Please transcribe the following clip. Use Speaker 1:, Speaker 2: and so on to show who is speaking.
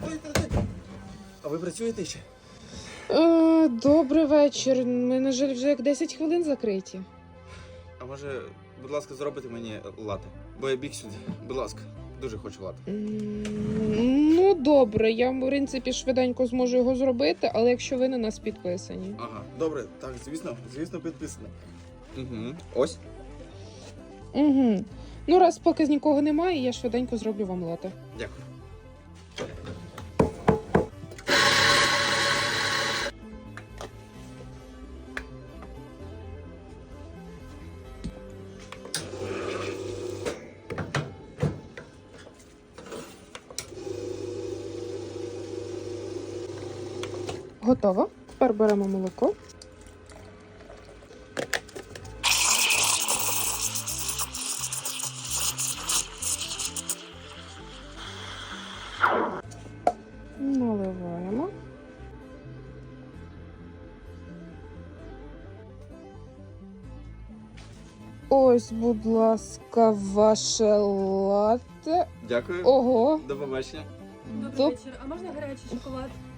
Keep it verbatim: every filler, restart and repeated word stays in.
Speaker 1: А ви працюєте ще?
Speaker 2: Е, добрий вечір. Ми, на жаль, вже як десять хвилин закриті.
Speaker 1: А може, будь ласка, зробите мені лате? Бо я біг сюди. Будь ласка, дуже хочу лате.
Speaker 2: М, Ну, добре, я, в принципі, швиденько зможу його зробити, але якщо ви на нас підписані.
Speaker 1: Ага, добре, так, звісно, звісно, підписано. Угу. Ось.
Speaker 2: Угу. Ну, раз поки нікого немає, я швиденько зроблю вам лате.
Speaker 1: Дякую.
Speaker 2: Готово. Тепер беремо молоко. Наливаємо. Ось, будь ласка, ваше латте.
Speaker 1: Дякую.
Speaker 2: Ого.
Speaker 1: До побачення.
Speaker 3: Добрий
Speaker 2: Доп-
Speaker 3: вечір. А можна гарячий шоколад?